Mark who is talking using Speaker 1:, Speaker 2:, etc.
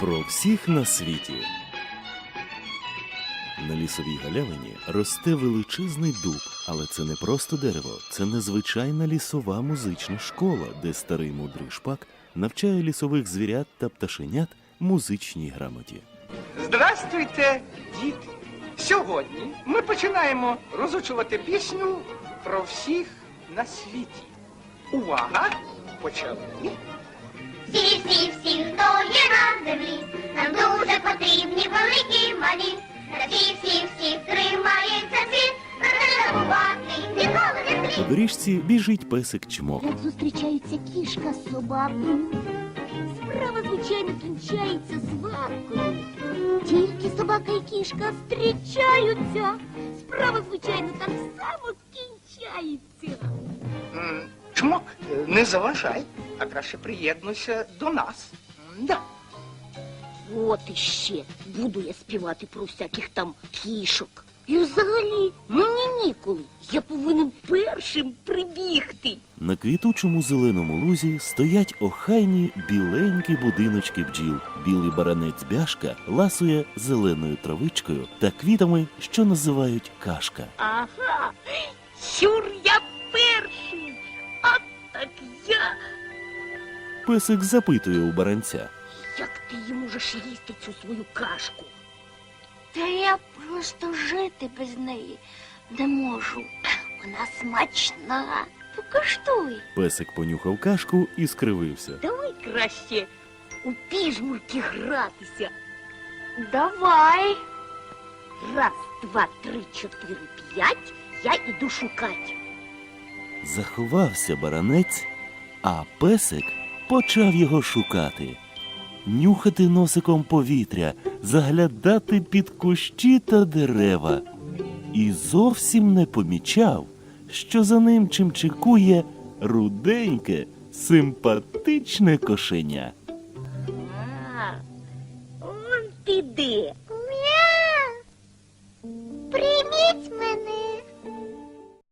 Speaker 1: Про всіх на світі. На лісовій галявині росте величезний дуб, але це не просто дерево, це незвичайна лісова музична школа, де старий мудрий шпак навчає лісових звірят та пташенят музичній грамоті.
Speaker 2: Здрастуйте, діти! Сьогодні ми починаємо розучувати пісню про всіх на світі. Увага! Почали!
Speaker 3: Всі, хто є на землі, нам дуже потрібні великі малі. Та всі тримається світ, про це забувати ніколи не слід.
Speaker 1: По доріжці біжить песик Чмок.
Speaker 4: Як зустрічаються кішка з собакою, справа, звичайно, кінчається сваркою. Тільки собака і кішка зустрічаються, справа, звичайно, так само кінчається.
Speaker 2: Чмок, не заважай, а краще приєднуйся до нас. Да.
Speaker 4: От іще буду я співати про всяких там кішок. І взагалі, мені ніколи. Я повинен першим прибігти.
Speaker 1: На квітучому зеленому лузі стоять охайні біленькі будиночки бджіл. Білий баранець Бяшка ласує зеленою травичкою та квітами, що називають кашка.
Speaker 4: Ага, сюр я перший, а так я.
Speaker 1: Песик запитує у баранця.
Speaker 4: Як ти її можеш їсти цю свою кашку?
Speaker 3: Та я просто жити без неї не можу. Вона смачна. Покуштуй.
Speaker 1: Песик понюхав кашку і скривився.
Speaker 4: Давай краще у піжмурки гратися.
Speaker 3: Давай.
Speaker 4: Раз, два, три, чотири, п'ять, я іду шукати.
Speaker 1: Заховався баранець, а песик почав його шукати. Нюхати носиком повітря, заглядати під кущі та дерева. І зовсім не помічав, що за ним чимчикує руденьке, симпатичне кошеня.
Speaker 4: А, он ти де.
Speaker 3: Мяу. Прийміть мене.